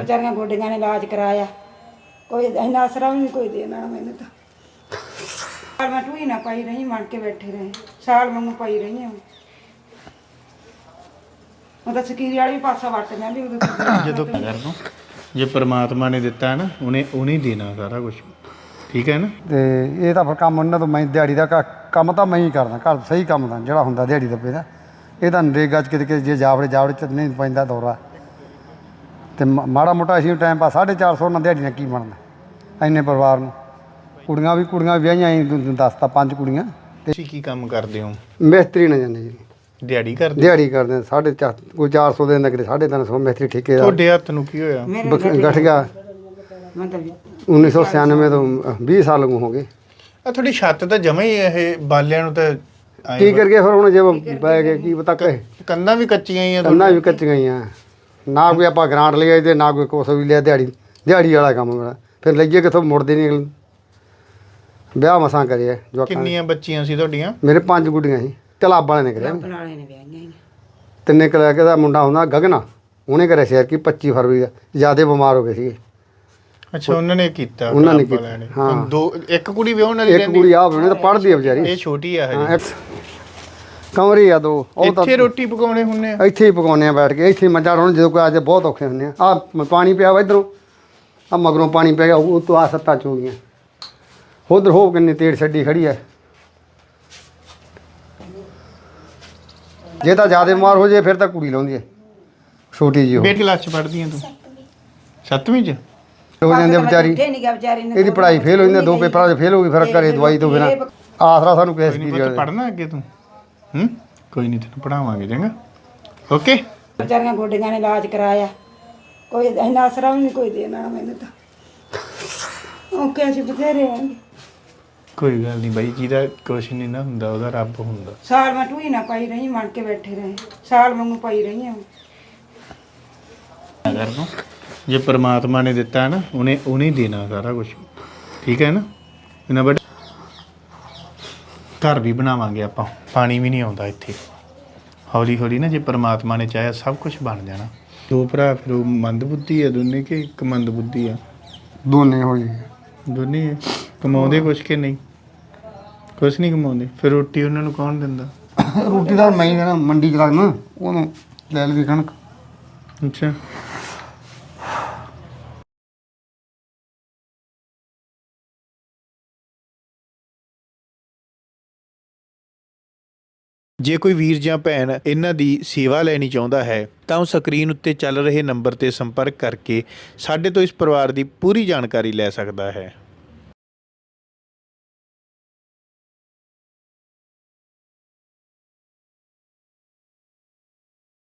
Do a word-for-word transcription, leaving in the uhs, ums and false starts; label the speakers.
Speaker 1: बेचारियां गोडियां ने इलाज कराया, कोई इन्ना आसरा भी नहीं कोई देना मैंने तो। साल मैं टूई ना पाई रही, मन के बैठे रहे साल मैं पाई रही हूँ। मतलब ਸਕੀਰੀ ਵਾਲੀ ਵੀ ਪਾਸਾ ਵਰਤ ਜਾਂਦੀ ਉਦੋਂ
Speaker 2: ਜਦੋਂ ਕਰ ਦੋ ਜੇ ਪਰਮਾਤਮਾ ਨੇ ਦਿੱਤਾ ਹੈ ਨਾ ਉਹਨੇ ਉਹਨੇ ਹੀ ਦੇਣਾ ਸਾਰਾ ਕੁਝ, ਠੀਕ ਹੈ ਨਾ।
Speaker 3: ਤੇ ਇਹ ਤਾਂ ਫਿਰ ਕੰਮ ਉਹਨਾਂ ਤੋਂ ਮੈਂ ਦਿਹਾੜੀ ਦਾ ਕ- ਕੰਮ ਤਾਂ ਮੈਂ ਹੀ ਕਰਦਾ ਘਰ ਸਹੀ ਕੰਮ ਦਾ ਜਿਹੜਾ ਹੁੰਦਾ ਦਿਹਾੜੀ ਦੱਪੇ ਦਾ। ਇਹ ਤਾਂ ਨਰੇਗਾ 'ਚ ਕਿਤੇ ਕਿਤੇ ਜੇ ਜਾਵੜੇ ਜਾਵੜੇ 'ਚ ਨਹੀਂ ਪੈਂਦਾ ਦੌਰਾ ਤੇ ਮ- ਮਾੜਾ ਮੋਟਾ ਅਸੀਂ ਟਾਈਮ ਪਾ ਸਾਢੇ ਚਾਰ ਸੌ ਨਾਲ ਦਿਹਾੜੀ ਨਾਲ ਕੀ ਬਣਦਾ ਇੰਨੇ ਪਰਿਵਾਰ ਨੂੰ। ਕੁੜੀਆਂ ਵੀ ਕੁੜੀਆਂ ਵਿਆਹੀਆਂ ਅਸੀਂ ਦੱਸਤਾ ਪੰਜ ਕੁੜੀਆਂ ਤੇ
Speaker 2: ਤੁਸੀਂ ਕੀ ਕੰਮ ਕਰਦੇ ਹੋ?
Speaker 3: ਮਿਸਤਰੀ ਨਾ ਜਾਂਦੇ ਜੀ,
Speaker 2: ਦਿਹਾੜੀ ਕਰਦੇ?
Speaker 3: ਦਿਹਾੜੀ ਕਰਦੇ ਹਾਂ, ਸਾਢੇ ਚਾਰ ਕੋਈ ਚਾਰ ਸੌ ਦੇ ਦਿੰਦਾ ਕਿਤੇ ਸਾਢੇ ਤਿੰਨ ਸੌ ਮਿਸਤਰੀ ਠੇਕੇਦਾਰ।
Speaker 2: ਤੁਹਾਡੇ ਹੱਥ ਨੂੰ ਕੀ ਹੋਇਆ?
Speaker 3: ਗਠ ਗਿਆ
Speaker 1: मतलब
Speaker 3: ਉੱਨੀ ਸੌ ਛਿਆਨਵੇਂ ਤੋਂ ਵੀਹ ਸਾਲ ਹੋ ਗਏ।
Speaker 2: ਆ ਤੁਹਾਡੀ ਛੱਤ ਤਾਂ ਜਮਾ ਹੀ ਇਹ ਬਾਲਿਆਂ ਨੂੰ ਤਾਂ ਆਏਂ
Speaker 3: ਕੀ ਕਰੀਏ ਫਿਰ ਹੁਣ ਜੇ ਪੈ ਗਏ ਕੀ ਪਤਾ ਕਹੇ।
Speaker 2: ਕੰਧਾਂ ਵੀ ਕੱਚੀਆਂ ਹੀ ਆ
Speaker 3: ਕੰਨਾਂ ਵੀ ਕੱਚੀਆਂ ਹੀ ਆ, ਨਾ ਕੋਈ ਆਪਾਂ ਗਰਾਂਟ ਲਿਆ ਤੇ ਨਾ ਕੋਈ ਕੁਛ ਵੀ ਲਿਆ। ਦਿਹਾੜੀ ਦਿਹਾੜੀ ਵਾਲਾ ਕੰਮ ਮੇਰਾ, ਫਿਰ ਲਈਏ ਕਿੱਥੋਂ ਮੁੜਦੇ ਨਹੀਂ ਅਗਲੇ। ਵਿਆਹ ਮਸਾਂ ਕਰਿਆ ਜਵਾਕਾਂ ਨੇ।
Speaker 2: ਕਿੰਨੀਆਂ ਬੱਚੀਆਂ ਸੀ ਤੁਹਾਡੀਆਂ?
Speaker 3: ਮੇਰੇ ਪੰਜ ਗੁੱਡੀਆਂ ਸੀ, ਤਲਾਬ ਵਾਲੇ ਨੇ ਕਰਿਆ।
Speaker 1: वाले ने ब्याहियां
Speaker 3: ਤਿੰਨੇ ਕਰਿਆ ਕਿ ਦਾ ਮੁੰਡਾ ਹੁੰਦਾ ਗਗਨਾ, ਉਹਨੇ ਕਰਿਆ ਸ਼ੇਰ ਕੀ ਪੱਚੀ ਫਰਵਰੀ ਦਾ, ਜਿਆਦੇ ਬਿਮਾਰ ਹੋ ਗਏ ਸੀਗੇ।
Speaker 2: ਅੱਛਾ, ਉਹਨਾਂ ਨੇ ਕੀਤਾ?
Speaker 3: ਉਹਨਾਂ ਨੇ
Speaker 2: ਕਲੱਬ
Speaker 3: ਕੀਤਾ,
Speaker 2: ਵਾਲਿਆਂ
Speaker 3: ਹਾਂ।
Speaker 2: ਦੋ ਇੱਕ ਕੁੜੀ ਵਿਆਹਣ ਵਾਲੀ
Speaker 3: ਇੱਕ
Speaker 2: ਰਹਿੰਦੀ?
Speaker 3: ਕੁੜੀ ਆ ਬਣੇ ਤਾਂ ਪੜ੍ਹਦੀ ਆ ਵਿਚਾਰੀ,
Speaker 2: ਇਹ ਛੋਟੀ ਆ
Speaker 3: ਹਾਂ।
Speaker 2: ਹਜੇ।
Speaker 3: ਇੱਕ ਕਮਰੀ ਆ ਦੋ, ਉਹ ਤਾਂ
Speaker 2: ਇੱਥੇ ਰੋਟੀ ਪਕਾਉਣੇ ਹੁੰਨੇ ਆ?
Speaker 3: ਇੱਥੇ ਹੀ ਪਕਾਉਂਦੇ ਆ ਬੈਠ ਕੇ, ਇੱਥੇ ਹੀ ਮੱਝਾਂ ਰੋਣ ਜਦੋਂ ਕੋਈ ਅੱਜ ਬਹੁਤ ਔਖੇ ਹੁੰਦੇ ਆ। ਆ ਪਾਣੀ ਪਿਆ ਵਾ ਇੱਧਰੋਂ, ਆ ਮਗਰੋਂ ਪਾਣੀ ਪੈ ਗਿਆ, ਉਹ ਤੋਂ ਆ ਸੱਤਾਂ ਚੋ ਗਈਆਂ। ਉਧਰ ਹੋ ਕਿੰਨੀ ਤੇੜ ਛੱਡੀ ਖੜੀ ਐ। ਜੇ ਤਾਂ ਜ਼ਿਆਦਾ ਬਿਮਾਰ ਹੋ ਜੇ ਫਿਰ ਤਾਂ ਕੁੜੀ ਲਾਉਂਦੀ ਐ ਛੋਟੀ ਜਿਹੀ। ਉਹ
Speaker 2: ਬੇਟੀ ਕਲਾਸ ਚ ਪੜ੍ਹਦੀ ਆ ਤੂੰ? ਸੱਤਵੀਂ ਚ?
Speaker 3: ਹੋ ਜਾਂਦੀ ਆ ਵਿਚਾਰੀ,
Speaker 1: नहीं गया बेचारी ने
Speaker 3: ਇਹਦੀ ਪੜ੍ਹਾਈ ਫੇਲ ਹੋ ਜਾਂਦੀ, ਦੋ ਪੇਪਰਾਂ 'ਚ ਫੇਲ ਹੋ ਗਈ, ਫਿਰ ਘਰੇ ਦਵਾਈ ਤੋਂ ਬਿਨਾਂ ਆਸਰਾ ਸਾਨੂੰ ਕਿਸੇ
Speaker 2: ਕੋਈ ਨਹੀਂ
Speaker 3: ਚੀਜ਼
Speaker 2: ਪੁੱਤ,
Speaker 3: ਦਾ।
Speaker 2: ਪੜ੍ਹਨਾ ਅੱਗੇ ਤੂੰ? ਹੂੰ, ਕੋਈ ਨਹੀਂ, ਤੈਨੂੰ ਪੜਾਵਾਂਗੇ ਚੰਗਾ। ਓਕੇ।
Speaker 1: बेचारियां गोडियां ने इलाज कराया, कोई इन्ना आसरा भी नहीं कोई देना मैंने तो। ओके ਅਸੀਂ ਬਥੇਰੇ ਆਂਗੇ।
Speaker 2: ਕੋਈ ਗੱਲ ਨਹੀਂ ਬਾਈ, ਜਿਹਦਾ ਕੁਛ ਨਹੀਂ ਨਾ ਹੁੰਦਾ ਉਹਦਾ ਰੱਬ ਹੁੰਦਾ।
Speaker 1: ਸਾਲ ਮੈਂ ਟੂਈ ਨਾ ਪਾਈ ਰਹੀ, ਮਣ ਕੇ ਬੈਠੇ ਰਹੇ ਸਾਲ ਵਾਂਗੂ ਪਾਈ ਰਹੀ ਹਾਂ।
Speaker 2: ਕਰ ਦੋ ਜੇ ਪਰਮਾਤਮਾ ਨੇ ਦਿੱਤਾ ਹੈ ਨਾ ਉਹਨੇ ਉਹਨੇ ਹੀ ਦੇਣਾ ਸਾਰਾ ਕੁਝ, ਠੀਕ ਹੈ ਨਾ। ਇਹਨਾਂ ਬੜ ਘਰ ਵੀ ਬਣਾਵਾਂਗੇ ਆਪਾਂ, ਪਾਣੀ ਵੀ ਨਹੀਂ ਆਉਂਦਾ ਇੱਥੇ। ਹੌਲੀ ਹੌਲੀ ਨਾ ਜੇ ਪਰਮਾਤਮਾ ਨੇ ਚਾਹਿਆ ਸਭ ਕੁਝ ਬਣ ਜਾਣਾ। ਦੋ ਭਰਾ ਫਿਰ ਉਹ ਮੰਦਬੁੱਧੀ ਆ ਦੋਨੇ ਕਿ ਇੱਕ ਮੰਦਬੁੱਧੀ ਆ?
Speaker 3: ਦੋਨੇ ਹੋਈ
Speaker 2: ਦੋਨੇ ਹੀ ਆ। ਕਮਾਉਂਦੇ ਕੁਛ ਕਿ ਨਹੀਂ? ਕੁਛ ਨਹੀਂ ਕਮਾਉਂਦੇ, ਫਿਰ ਰੋਟੀ ਉਹਨਾਂ ਨੂੰ ਕੌਣ ਦਿੰਦਾ?
Speaker 3: ਰੋਟੀ ਦਾ ਮੈਂ ਹੀ ਦੇਣਾ, ਮੰਡੀ 'ਚ ਲੱਗਣਾ ਉਹਨੂੰ ਲੈ ਲਈ ਕਣਕ।
Speaker 2: ਅੱਛਾ। ਜੇ ਕੋਈ ਵੀਰ ਜਾਂ ਭੈਣ ਇਹਨਾਂ ਦੀ ਸੇਵਾ ਲੈਣੀ ਚਾਹੁੰਦਾ ਹੈ ਤਾਂ ਉਹ ਸਕਰੀਨ ਉੱਤੇ ਚੱਲ ਰਹੇ ਨੰਬਰ ਤੇ ਸੰਪਰਕ ਕਰਕੇ ਸਾਡੇ ਤੋਂ ਇਸ ਪਰਿਵਾਰ ਦੀ ਪੂਰੀ ਜਾਣਕਾਰੀ ਲੈ ਸਕਦਾ ਹੈ।